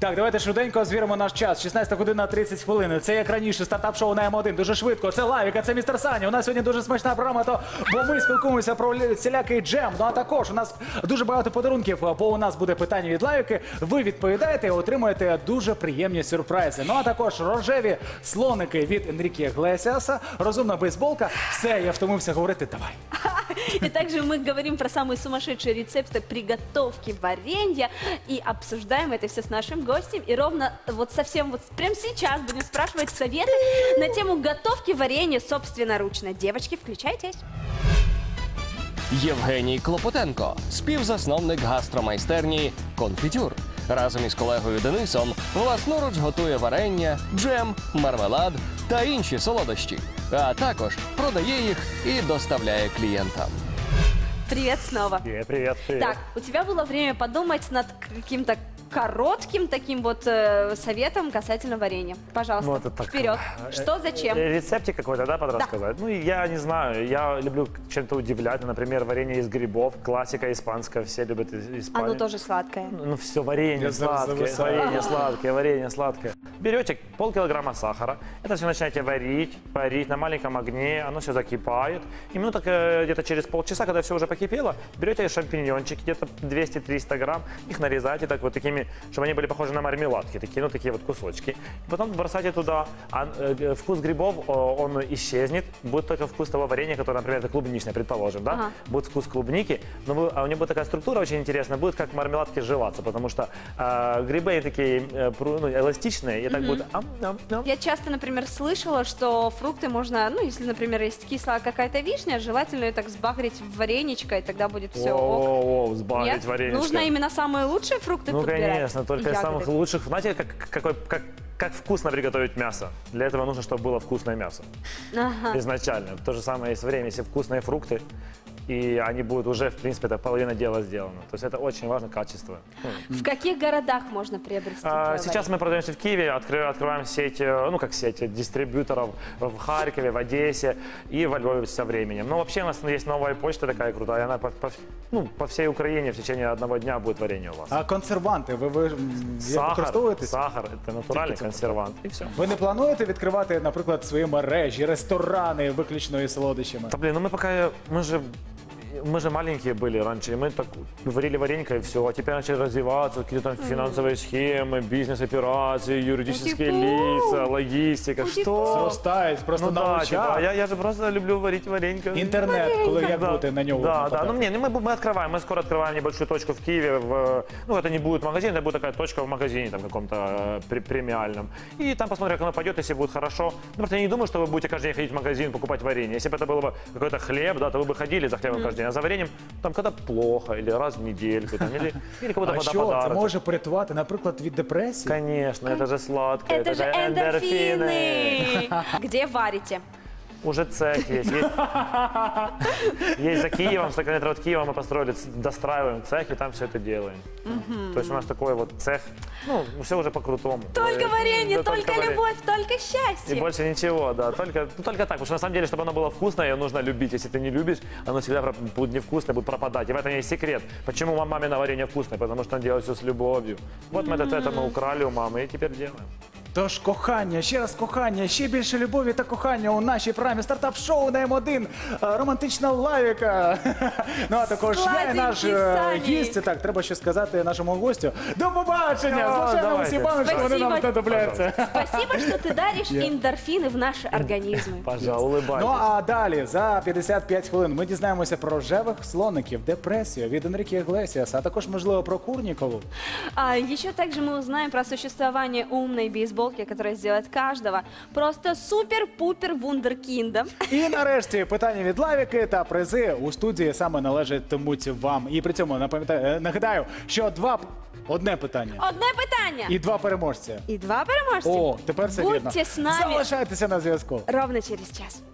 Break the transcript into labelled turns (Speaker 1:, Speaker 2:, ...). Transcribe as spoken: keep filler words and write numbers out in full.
Speaker 1: Так, давайте швиденько звіримо наш час. шістнадцята година тридцять хвилин. Це як раніше стартап-шоу на М один. Дуже швидко. Це Лавіка, це містер Саня. У нас сьогодні дуже смачна програма, то, бо ми спілкуємося про всілякий джем. Ну а також у нас дуже багато подарунків, бо у нас буде питання від Лавіки. Ви відповідаєте і отримуєте дуже приємні сюрпризи. Ну а також рожеві слоники від Енріке Іглесіаса, розумна бейсболка. Все, я втомився говорити. Давай.
Speaker 2: И также мы говорим про самые сумасшедшие рецепты приготовки варенья и обсуждаем это все с нашим гостем. И ровно вот совсем вот прямо сейчас будем спрашивать советы на тему готовки варенья собственноручно. Девочки, включайтесь.
Speaker 3: Євгеній Клопотенко, співзасновник гастромайстерні «Конфітюр». Разом із колегою Денисом власноруч готує варення, джем, мармелад та інші солодощі. А також продає їх і доставляє клієнтам.
Speaker 2: Привет снова.
Speaker 4: Привет, привет, привет.
Speaker 2: Так, у тебя было время подумать над каким-то коротким таким вот э, советом касательно варенья. Пожалуйста,
Speaker 4: Ну, это так,
Speaker 2: вперед. Что, зачем?
Speaker 4: Э, Рецептик какой-то, да, под
Speaker 2: Да.
Speaker 4: рассказать? Ну, я не знаю, я люблю чем-то удивлять. Например, варенье из грибов, классика испанская, все любят из- Испанию.
Speaker 2: Оно тоже сладкое.
Speaker 4: Ну, все, варенье
Speaker 1: Я за-
Speaker 4: сладкое,
Speaker 1: зависаю.
Speaker 4: варенье сладкое, варенье сладкое. Берете полкилограмма сахара, это все начинаете варить, парить на маленьком огне, оно все закипает. И минуток э, где-то через полчаса, когда все уже покипело, берете шампиньончики, где-то двести-триста грамм, их нарезаете так вот такими, чтобы они были похожи на мармеладки, такие, ну, такие вот кусочки. Потом бросайте туда, а э, вкус грибов, о, он исчезнет, будет только вкус того варенья, которое, например, это клубничное, предположим, да?
Speaker 2: Ага.
Speaker 4: Будет вкус клубники, но вы- а у него будет такая структура очень интересная, будет как мармеладки жеваться, потому что э, грибы они такие э, пру- ну, эластичные, и так будет ам-ам-ам.
Speaker 2: Я часто, например, слышала, что фрукты можно, ну, если, например, есть кислая какая-то вишня, желательно ее так сбагрить в вареничко, и тогда будет все ок.
Speaker 4: О, сбавить
Speaker 2: Нет?
Speaker 4: вареничко.
Speaker 2: Нужно именно самые лучшие фрукты
Speaker 4: Ну,
Speaker 2: подбирать.
Speaker 4: конечно, только
Speaker 2: и
Speaker 4: из
Speaker 2: ягоды.
Speaker 4: самых лучших. Знаете, как, какой, как, как вкусно приготовить мясо? Для этого нужно, чтобы было вкусное мясо.
Speaker 2: Ага.
Speaker 4: Изначально. То же самое есть время, если вкусные фрукты, и они будут уже, в принципе, это половина дела сделана. То есть это очень важно, качество. Ну,
Speaker 2: В каких городах можно приобрести?
Speaker 4: А,
Speaker 2: твое
Speaker 4: Сейчас мы продаемся в Киеве, откры- открываем сеть, э, ну как сеть, э, дистрибьюторов в Харькове, в Одессе и во Львове со временем. Но вообще у нас есть новая почта такая крутая, она по, по, ну, по всей Украине в течение одного дня будет варенье у вас.
Speaker 1: А консерванти, ви, ви м, як
Speaker 4: Сахар,
Speaker 1: використовуєтесь?
Speaker 4: сахар, это натуральный
Speaker 1: Тільки це
Speaker 4: консервант. И все.
Speaker 1: Ви не плануєте відкривати, наприклад, свої мережі, ресторани виключно із солодощами?
Speaker 4: Да блин, ну мы пока, мы же, мы же маленькие были раньше, и мы так варили варенька и все, а теперь начали развиваться, какие-то там финансовые схемы, бизнес-операции, юридические
Speaker 2: Ути-пу.
Speaker 4: лица, логистика,
Speaker 2: Ути-пу.
Speaker 4: что?
Speaker 1: Зростають просто
Speaker 4: Ну
Speaker 1: на
Speaker 4: да,
Speaker 1: очах.
Speaker 4: типа, я, я же просто люблю варить варенька.
Speaker 1: Інтернет, коли як
Speaker 4: Да,
Speaker 1: бути на нього?
Speaker 4: да, да.
Speaker 1: попадати?
Speaker 4: Ну, не, ну, мы, мы открываем, мы скоро открываем небольшую точку в Киеве. В, ну, это не будет магазин, это будет такая точка в магазине, там, каком-то э, пре- премиальном. И там посмотрим, как оно пойдет, если будет хорошо. Ну, просто я не думаю, что вы будете каждый день ходить в магазин, покупать варенье. Если бы это было бы какой-то хлеб, да, то вы бы ходили за хлебом каждый день. А за вареньем, там, когда плохо, или раз в недельку, там, или, или какой-то
Speaker 1: А що, це
Speaker 4: подарок.
Speaker 1: може порятувати, наприклад, від депресії?
Speaker 4: Конечно, это же сладкое,
Speaker 2: Это же эндорфины. Где варите?
Speaker 4: Уже цех есть. Есть, есть за Киевом, сто километров от Киева мы построили, ц- достраиваем цех и там все это делаем. То есть у нас такой вот цех, ну, все уже по-крутому.
Speaker 2: Только
Speaker 4: Э,
Speaker 2: варенье,
Speaker 4: да,
Speaker 2: только
Speaker 4: варенье.
Speaker 2: любовь, только
Speaker 4: И
Speaker 2: счастье.
Speaker 4: больше ничего, да, только, ну, только так, потому что на самом деле, чтобы оно было вкусное, ее нужно любить. Если ты не любишь, оно всегда про- будет невкусное, будет пропадать. И в этом есть секрет. Почему ма- мамино варенье вкусное? Потому что он делает все с любовью. Вот мы это, это мы украли у мамы и теперь делаем.
Speaker 1: Тож кохання, ще раз кохання, ще більше любові та кохання у нашій програмі стартап-шоу на М один. Е, Романтична Лавіка. Ну а також я і наш
Speaker 2: Сладенький
Speaker 1: е,
Speaker 2: Саня.
Speaker 1: гість. Так, треба ще сказати нашому гостю. До побачення!
Speaker 4: О,
Speaker 1: З Лошеним
Speaker 4: давайте.
Speaker 1: Степановичем, вони нам
Speaker 2: Спасибо.
Speaker 1: знадобляться.
Speaker 2: Спасибо, что ты даришь эндорфины в наши организмы.
Speaker 4: Пожалуй, улыбайтесь.
Speaker 1: Ну а далі за п'ятдесят п'ять хвилин ми дізнаємося про рожевих слоників, депресію від Енріке Іглесіаса, а також, можливо, про Курнікову.
Speaker 2: А еще также мы узнаем про существование умной бейсболки, которая сделает каждого просто супер-пупер вундеркиндом.
Speaker 1: І нарешті питання від Лавіки та призи у студії саме належатимуть вам. І при цьому напам'ятаю, е, нагадаю, що два одне питання
Speaker 2: Одне питання.
Speaker 1: і два переможця.
Speaker 2: И два переможця.
Speaker 1: О, тепер все вірно.
Speaker 2: Будьте с нами
Speaker 1: Залишайтеся на зв'язку.
Speaker 2: ровно через час.